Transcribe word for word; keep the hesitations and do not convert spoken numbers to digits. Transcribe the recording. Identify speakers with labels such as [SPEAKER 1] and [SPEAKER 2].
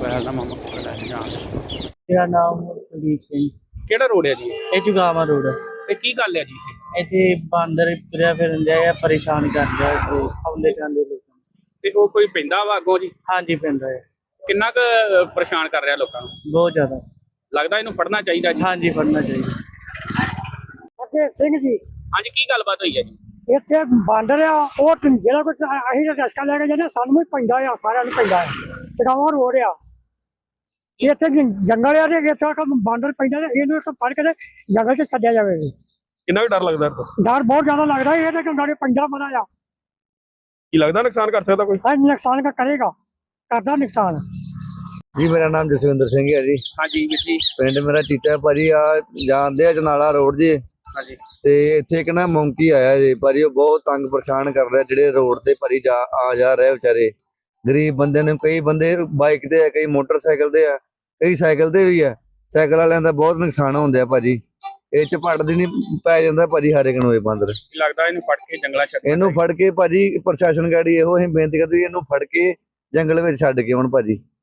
[SPEAKER 1] Mobile ਦਾ ਮਾਮਾ ਲੈ ਜਾਣ।
[SPEAKER 2] ਮੇਰਾ ਨਾਮ ਕੁਲਦੀਪ ਸਿੰਘ।
[SPEAKER 1] ਕਿਹੜਾ ਰੋਡ ਹੈ ਜੀ
[SPEAKER 2] ਇਹ ਜੁਗਾਵਾ ਰੋਡ
[SPEAKER 1] ਤੇ ਕੀ ਗੱਲ ਹੈ ਜੀ ਇੱਥੇ?
[SPEAKER 2] ਇੱਥੇ ਬਾਂਦਰ ਤੁਰਿਆ ਫਿਰਨ ਡਿਆ ਆ, ਪਰੇਸ਼ਾਨ ਕਰ ਰਿਹਾ ਇੱਥੇ ਆਉਂਦੇ ਜਾਂਦੇ ਲੋਕਾਂ ਨੂੰ।
[SPEAKER 1] ਤੇ ਉਹ ਕੋਈ ਪੈਂਦਾ ਵਾ ਅੱਗੋਂ ਜੀ?
[SPEAKER 2] ਹਾਂਜੀ ਪੈਂਦਾ ਹੈ,
[SPEAKER 1] ਕਿੰਨਾ ਕੁ ਪਰੇਸ਼ਾਨ ਕਰ ਰਿਹਾ ਲੋਕਾਂ ਨੂੰ?
[SPEAKER 2] ਬਹੁਤ ਜ਼ਿਆਦਾ।
[SPEAKER 1] ਲੱਗਦਾ ਇਹਨੂੰ ਫੜਨਾ ਚਾਹੀਦਾ ਜੀ।
[SPEAKER 2] ਹਾਂਜੀ ਫੜਨਾ ਚਾਹੀਦਾ।
[SPEAKER 3] ਅਜੇ ਸਿੰਘ ਜੀ,
[SPEAKER 1] ਹਾਂਜੀ ਕੀ ਗੱਲਬਾਤ ਹੋਈ ਹੈ ਜੀ?
[SPEAKER 3] ਇੱਥੇ ਬਾਂਦਰ ਆ, ਉਹ ਜਿਹੜਾ ਕੁਝ ਅਸੀਂ ਤਾਂ ਰਸਕਾ ਲੈ ਕੇ ਜਾਂਦੇ ਸਾਨੂੰ ਵੀ ਪੈਂਦਾ ਆ, ਸਾਰਿਆਂ ਨੂੰ ਪੈਂਦਾ ਆ। ਟਿਕਾਵਾ ਰੋਡ ਆ, ਇੱਥੇ ਜੰ- ਜੰਗਲ ਆ ਤੇ ਇੱਥੇ ਇੱਕ ਬਾਂਦਰ ਪੈਂਦਾ ਤੇ ਇਹਨੂੰ ਇੱਕ ਫੜ ਕੇ ਤੇ ਜੰਗਲ 'ਚ ਛੱਡਿਆ ਜਾਵੇ।
[SPEAKER 4] ਕਿੰਨਾ ਕੁ ਡਰ ਲੱਗਦਾ ਇਹ ਤੋਂ?
[SPEAKER 3] ਡਰ ਬਹੁਤ ਜ਼ਿਆਦਾ ਲੱਗਦਾ, ਇਹ ਤਾਂ ਕਿਉਂਕਿ ਪੈਂਦਾ ਬੜਾ ਆ।
[SPEAKER 4] ਕੀ ਲੱਗਦਾ ਨੁਕਸਾਨ ਕਰ ਸਕਦਾ ਕੋਈ?
[SPEAKER 3] ਹਾਂ ਨੁਕਸਾਨ ਕਾ ਕਰੇਗਾ, ਕਰਦਾ ਨੁਕਸਾਨ।
[SPEAKER 5] ਜੀ ਮੇਰਾ ਨਾਮ ਜਸਵਿੰਦਰ ਸਿੰਘ ਹੈ ਜੀ।
[SPEAKER 1] ਹਾਂਜੀ ਵੀਰ ਜੀ।
[SPEAKER 5] ਪਿੰਡ ਮੇਰਾ ਟੀਟਾ ਭਾਜੀ। ਆ ਜਾਂਦੇ ਆ ਜਨਾਲਾ ਰੋਡ ਜੀ,
[SPEAKER 1] ਹਾਂਜੀ
[SPEAKER 5] ਤੇ ਇੱਥੇ ਇੱਕ ਨਾ ਮੌਂਕੀ ਆਇਆ ਜੀ ਭਾਜੀ। ਉਹ ਬਹੁਤ ਤੰਗ ਪਰੇਸ਼ਾਨ ਕਰ ਰਿਹਾ ਜਿਹੜੇ ਰੋਡ ਤੇ ਭਾਜੀ ਜਾ ਆ ਜਾ ਰਹੇ ਵਿਚਾਰੇ ਗਰੀਬ ਬੰਦੇ ਨੂੰ। ਕਈ ਬੰਦੇ ਬਾਈਕ ਤੇ ਆ, ਕਈ ਮੋਟਰਸਾਈਕਲ ਤੇ ਆ, ਕਈ ਸਾਈਕਲ ਤੇ ਵੀ ਆ। ਸਾਈਕਲ ਵਾਲਿਆਂ ਦਾ ਬਹੁਤ ਨੁਕਸਾਨ ਹੁੰਦਾ ਭਾਜੀ। ਇਹ ਚ ਪੜਦੀ ਨਹੀਂ ਪੈ ਜਾਂਦਾ ਭਾਜੀ ਹਰ ਇੱਕ ਨੂੰ ਇਹ ਬਾਂਦਰ।
[SPEAKER 1] ਕੀ ਲੱਗਦਾ ਇਹਨੂੰ ਫੜ ਕੇ ਜੰਗਲਾਂ ਛੱਡ
[SPEAKER 5] ਇਹਨੂੰ ਫੜ ਕੇ ਭਾਜੀ ਪ੍ਰਸ਼ਾਸਨ ਗਾੜੀ ਇਹੋ ਅਸੀਂ ਬੇਨਤੀ ਕਰਦੇ ਇਹਨੂੰ ਫੜ ਕੇ ਜੰਗਲ ਵਿੱਚ ਛੱਡ ਕੇ ਆਉਣ ਭਾਜੀ।